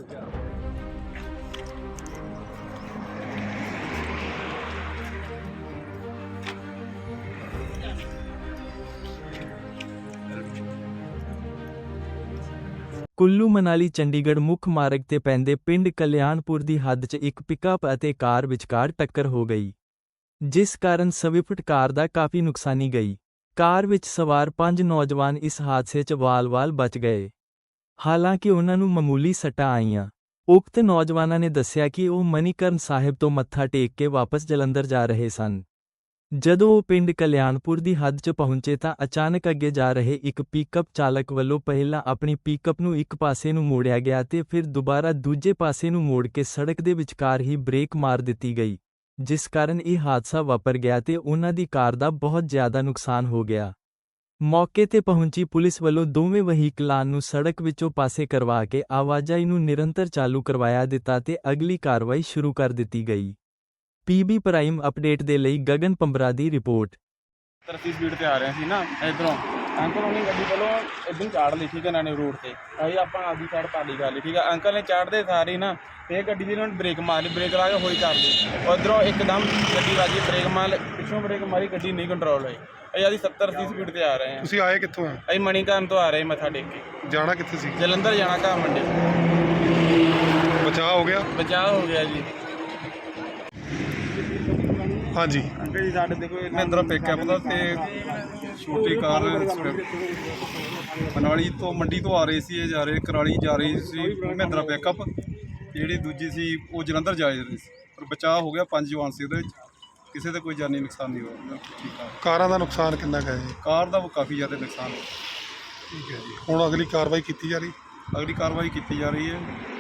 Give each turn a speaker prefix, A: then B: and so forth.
A: ਕੁੱਲੂ ਮਨਾਲੀ ਚੰਡੀਗੜ੍ਹ ਮੁੱਖ ਮਾਰਗ ਤੇ ਪੈਂਦੇ ਪਿੰਡ ਕਲਿਆਣਪੁਰ ਦੀ ਹੱਦ 'ਚ ਇੱਕ ਪਿਕਅਪ ਅਤੇ ਕਾਰ ਵਿਚਕਾਰ ਟੱਕਰ ਹੋ ਗਈ, ਜਿਸ ਕਾਰਨ ਸਵਿਫਟ ਕਾਰ ਦਾ ਕਾਫੀ ਨੁਕਸਾਨੀ ਗਈ। ਕਾਰ ਵਿੱਚ ਸਵਾਰ 5 ਨੌਜਵਾਨ ਇਸ ਹਾਦਸੇ 'ਚ ਵਾਲ-ਵਾਲ ਬਚ ਗਏ। ਹਾਲਾਂਕਿ ਉਨ੍ਹਾਂ ਨੂੰ ਮਾਮੂਲੀ ਸੱਟਾਂ ਆਈਆਂ। ਉਕਤ ਨੌਜਵਾਨਾਂ ਨੇ ਦੱਸਿਆ ਕਿ ਉਹ ਮਨੀਕਰਨ ਸਾਹਿਬ ਤੋਂ ਮੱਥਾ ਟੇਕ ਕੇ ਵਾਪਸ ਜਲੰਧਰ ਜਾ ਰਹੇ ਸਨ। ਜਦੋਂ ਉਹ ਪਿੰਡ ਕਲਿਆਣਪੁਰ ਦੀ ਹੱਦ 'ਚ ਪਹੁੰਚੇ ਤਾਂ ਅਚਾਨਕ ਅੱਗੇ ਜਾ ਰਹੇ ਇੱਕ ਪਿਕਅਪ ਚਾਲਕ ਵੱਲੋਂ ਪਹਿਲਾਂ ਆਪਣੀ ਪਿਕਅਪ ਨੂੰ ਇੱਕ ਪਾਸੇ ਨੂੰ ਮੋੜਿਆ ਗਿਆ ਤੇ ਫਿਰ ਦੁਬਾਰਾ ਦੂਜੇ ਪਾਸੇ ਨੂੰ ਮੋੜ ਕੇ ਸੜਕ ਦੇ ਵਿਚਕਾਰ ਹੀ ਬ੍ਰੇਕ ਮਾਰ ਦਿੱਤੀ ਗਈ, ਜਿਸ ਕਾਰਨ ਇਹ ਹਾਦਸਾ ਵਾਪਰ ਗਿਆ ਤੇ ਉਨ੍ਹਾਂ ਦੀ ਕਾਰ ਦਾ ਬਹੁਤ ਜ਼ਿਆਦਾ ਨੁਕਸਾਨ ਹੋ ਗਿਆ। ਮੌਕੇ ਤੇ ਪਹੁੰਚੀ ਪੁਲਿਸ ਵੱਲੋਂ ਦੋਵੇਂ ਵਹੀਕਲਾਂ ਨੂੰ ਸੜਕ ਵਿੱਚੋਂ ਪਾਸੇ ਕਰਵਾ ਕੇ ਆਵਾਜਾਈ ਨੂੰ ਨਿਰੰਤਰ ਚਾਲੂ ਕਰਵਾਇਆ ਦਿੱਤਾ ਤੇ ਅਗਲੀ ਕਾਰਵਾਈ ਸ਼ੁਰੂ ਕਰ ਦਿੱਤੀ ਗਈ। ਪੀਬੀ ਪ੍ਰਾਈਮ ਅਪਡੇਟ ਦੇ ਲਈ ਗਗਨ ਪੰਬਰਾ ਦੀ ਰਿਪੋਰਟ।
B: 30 ਸਪੀਡ ਤੇ ਆ ਰਹੇ ਸੀ ਨਾ ਇਧਰੋਂ ਅੰਕਲ ਉਹਨੇ ਗੱਡੀ ਵੱਲੋਂ ਇਦਾਂ ਚਾੜ ਲਈ, ਠੀਕ ਹੈ, ਇਹਨਾਂ ਨੇ ਰੋਡ ਤੇ ਅਸੀਂ ਆਪਾਂ ਆਪਦੀ ਸਾਈਡ ਪਾਲੀ ਕਰ ਲਈ, ਠੀਕ ਹੈ। ਅੰਕਲ ਨੇ ਚਾੜਦੇ ਸਾਰੇ ਨਾ ਇਹ ਗੱਡੀ ਦੀ ਇਹਨਾਂ ਨੇ ਬ੍ਰੇਕ ਮਾਰ ਲਈ, ਬ੍ਰੇਕ ਲਾ ਕੇ ਹੋਈ ਕਰ ਲਈ, ਉਧਰੋਂ ਇੱਕਦਮ ਗੱਡੀ ਵੱਜੀ, ਬ੍ਰੇਕ ਮਾਰ ਪਿੱਛੋਂ ਬ੍ਰੇਕ ਮਾਰੀ, ਗੱਡੀ ਨਹੀਂ ਕੰਟਰੋਲ ਹੋਈ। ਅਸੀਂ ਆਦੀ 70-80 ਸਪੀਡ ਤੇ ਆ ਰਹੇ ਹਾਂ।
C: ਤੁਸੀਂ ਆਏ ਕਿੱਥੋਂ ਆ?
B: ਅਸੀਂ ਮਣੀਕਰਨ ਤੋਂ ਆ ਰਹੇ ਮੱਥਾ ਟੇਕ ਕੇ।
C: ਜਾਣਾ ਕਿੱਥੇ ਸੀ?
B: ਜਲੰਧਰ ਜਾਣਾ ਘਾਹ ਮੰਡੀ।
C: ਬਚਾਅ ਹੋ ਗਿਆ?
B: ਬਚਾਅ ਹੋ ਗਿਆ ਜੀ।
C: ਹਾਂਜੀ
B: ਅੰਕਲ ਜੀ ਸਾਡੇ ਦੇਖੋ
D: ਮਹਿੰਦਰਾ ਪਿਕਅਪ ਦਾ ਤੇ ਛੋਟੀ ਕਾਰ ਮਨਾਲੀ ਤੋਂ ਮੰਡੀ ਤੋਂ ਆ ਰਹੇ ਸੀ, ਇਹ ਜਾ ਰਹੇ ਕਰਾਲੀ ਜਾ ਰਹੀ ਸੀ ਮਹਿੰਦਰਾ ਪਿਕਅਪ। ਜਿਹੜੀ ਦੂਜੀ ਸੀ ਉਹ ਜਲੰਧਰ ਜਾ ਰਹੀ ਸੀ, ਪਰ ਬਚਾਅ ਹੋ ਗਿਆ। 5 ਜਵਾਨ ਸੀ ਉਹਦੇ ਵਿੱਚ, ਕਿਸੇ ਦਾ ਕੋਈ ਜਾਨੀ ਨੁਕਸਾਨ ਨਹੀਂ ਹੋਇਆ। ਠੀਕ ਆ।
C: ਕਾਰਾਂ ਦਾ ਨੁਕਸਾਨ ਕਿੰਨਾ ਕੁ ਹੈ ਜੀ?
D: ਕਾਰ ਦਾ ਕਾਫੀ ਜ਼ਿਆਦਾ ਨੁਕਸਾਨ ਹੋਇਆ।
C: ਠੀਕ ਹੈ ਜੀ। ਹੁਣ ਅਗਲੀ ਕਾਰਵਾਈ ਕੀਤੀ ਜਾ ਰਹੀ?
D: ਅਗਲੀ ਕਾਰਵਾਈ ਕੀਤੀ ਜਾ ਰਹੀ ਹੈ।